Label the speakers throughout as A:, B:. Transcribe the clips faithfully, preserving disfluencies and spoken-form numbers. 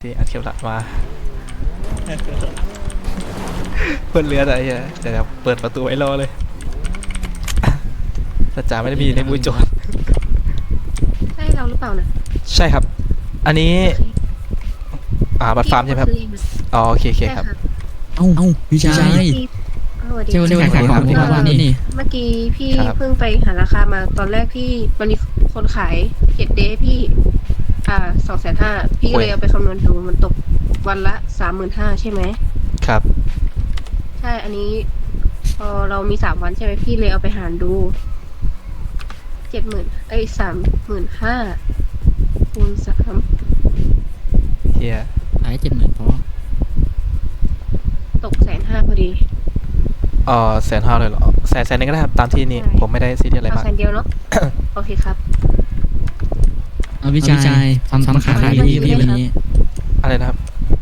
A: ที่อัดเข็มหลักมาเปิดเรืออะไรเงี้ยเดี๋ยวเปิดประตูไว้รอเลยแต่จ่าไม่ได้มีในมือโจร
B: ใช่เราหรือเปล่านะ
A: ใช่ครับอันนี้อ่าบัตรฟาร์มใช่ไหมครับอ๋อโอเคโอเคครับ
C: เอ้าเอ้าพี่ชาย
B: เจ้า
C: เจ้าขายของที่ว่านี่นี่
B: เมื่อกี้พี่เพิ่งไปหาราคามาตอนแรกพี่มันมีคนขายเจ็ดเดย์พี่อ่าสองแสนห้าพี่ก็เลยเอาไปคำนวณดูมันตกวันละสามหมื่นห้าใช่ไหม
A: ครับ
B: ใช่อันนี้พอเรามีสามวันใช่ไหมพี่เลยเอาไปหารดูเจ็ดหมื่นเอ้ยสามหมื่นห้าคูณสาม
A: เฮีย
C: ขายเจ็ดหมื่นพอ
B: ตกแสนห้าพอดี
A: อ๋อแสนห้าเลยเหรอแสนแสนนึงก็ได้ครับตามที่นี่ผมไม่ได้ซีเรียสอะไรมาก
B: แสนเดียวเนาะ โอเคครับ
C: เอาพี่ชายทำทำขายอะไรพี่วันนี้
A: อะไรนะครับ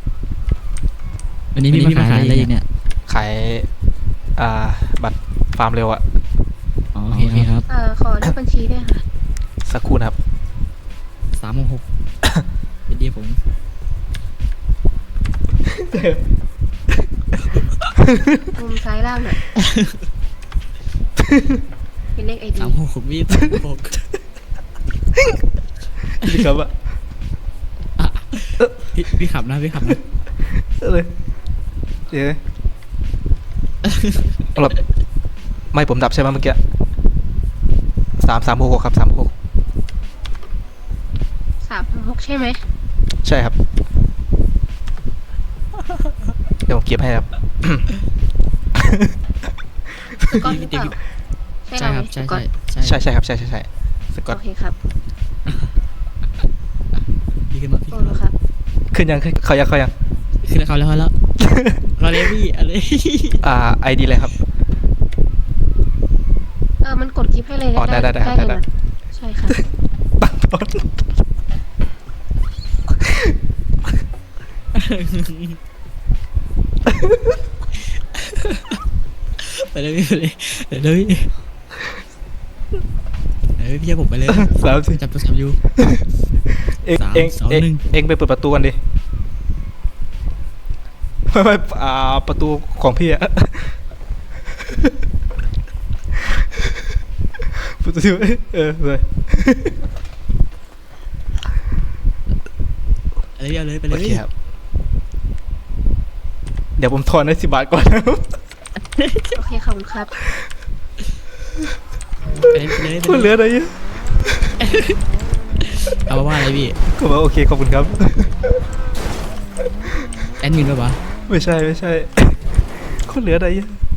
C: วันนี้พี่มาขายอะไรเนี่ย
A: ขายอ่าบัตรฟาร์มเร็วอะ
C: โอเคครับ
B: เอ่อขอเลขบัญชีด้วยค่ะ
A: สักครู่นะครับ
C: สามโมงหกเป็นดีผม
B: มุมซ้ายล่างน่ะเป็นเลขไอดี
C: สามหกพี่สามหก
A: พี่ครับอะ
C: พี่พี่ขับนะพี่ขับนะ
A: เลยเดี๋ยวหลบไม่ผมดับใช่ไหมเมื่อกี้สามสามหกครับสามหก
B: สามหกใช่ไหม
A: ใช่ครับเดี๋ยวผมเก็บให้ครับ
B: ก้อนหรือเปล่าใช่ครับ
C: ใช่
A: ใช่ใช่ครับใช่ใช่ใช่สกอต
B: โอเคครับ
C: พี่ขึ้นมาพี่
B: โอ้แล้วครับ
A: ขึ้นยังขึ้นเขายังเขายัง
C: ขึ้นแล้วเขาแล้วแล้วเราเลยพี่อะไร
A: อ่าไอดีเลยครับ
B: เออมันกดคลิปให้เลย
A: อ๋อได้ได้ได้ได้ได้
B: ใช่ค่ะ
A: ตั้งต้น
C: ไปเลยพี่ไปเลยเดี๋ยวพี่เดี๋ยวพี่จะผมไปเลย
A: สามสิ
C: จับตัวจับอยู่
A: เอ็งเอ็งเอ็งเอ็งไปเปิดประตูกันดิไม่ไม่อ่าประตูของพี่อะประตูเออเลย
C: อะไรพี่เอาเลยไปเลย
A: โอเคครับเดี๋ยวผมทอนให้สิบบาทก่อนนะ
B: โอเคขอบคุณครับ
C: ไปเลย
A: พูดเหลืออะไรอยู่
C: เอาว่าอะไรพี่
A: ก็บอกโอเคขอบคุณครับ
C: แอดมินป่ะวะ
A: ไม่ใช่ไม่ใช่คนเหลืออะไรอยู่